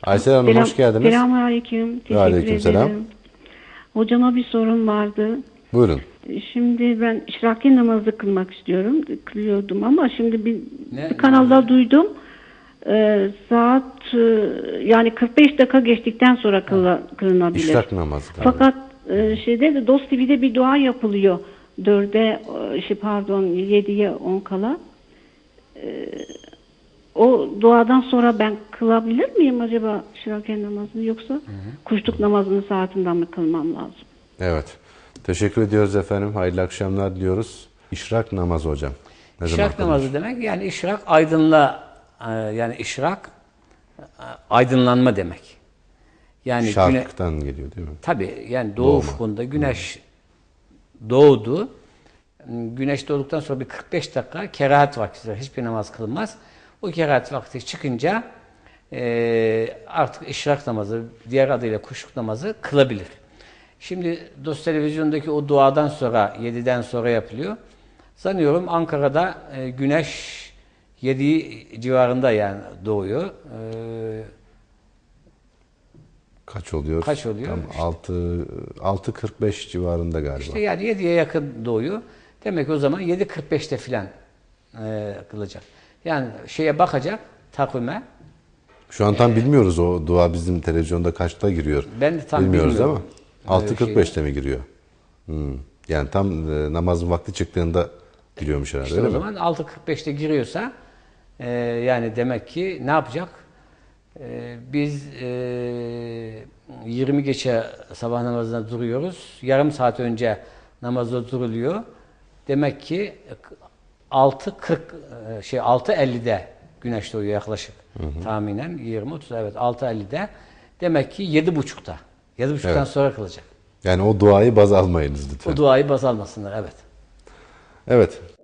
Aysel Hanım hoş geldiniz. Selamünaleyküm. Teşekkür Aleykümselam. ederim. Hocama bir sorum vardı. Buyurun. Şimdi ben işraki namazı kılmak istiyorum. Kılıyordum ama şimdi bir kanalda duydum. Saat yani 45 dakika geçtikten sonra kılınabilir. İşrak namazı. Fakat şeyde de Dost TV'de bir dua yapılıyor. 7'ye 10 kala. O duadan sonra ben kılabilir miyim acaba işraki namazını, yoksa kuşluk namazının saatinden mi kılmam lazım? Evet. Teşekkür ediyoruz efendim. Hayırlı akşamlar diliyoruz. İşrak namazı hocam. İşrak namazı demek, yani işrak yani işrak aydınlanma demek. Yani şarktan geliyor değil mi? Tabii, yani doğu ufkunda güneş doğdu. Güneş doğduktan sonra bir 45 dakika kerahat vakti, hiçbir namaz kılınmaz. O kerahat vakti çıkınca artık işrak namazı, diğer adıyla kuşluk namazı kılabilir. Şimdi Dost Televizyon'daki o duadan sonra, 7'den sonra yapılıyor. Sanıyorum Ankara'da güneş 7 civarında yani doğuyor. Kaç oluyor? Kaç oluyor? Tam 6.45 civarında galiba. İşte yani 7'ye yakın doğuyor. Demek ki o zaman 7.45'te filan kılacak. Yani şeye bakacak, takvime. Şu an tam bilmiyoruz o dua bizim televizyonda kaçta giriyor. Ben de tam bilmiyoruz bilmiyorum. Ama 6.45'te mi giriyor? Yani tam namazın vakti çıktığında giriyormuş herhalde, İşte öyle o mi? zaman 6.45'te giriyorsa yani demek ki ne yapacak? Biz 20 geçe sabah namazına duruyoruz. Yarım saat önce namazda duruluyor. Demek ki 6.50'de güneş doğuyor yaklaşık. Tahminen 20-30, evet 6.50'de. Demek ki 7.30'da. 7.30'dan Evet. sonra kılacak. Yani o duayı baz almayınız lütfen. O duayı baz almasınlar, evet. Evet.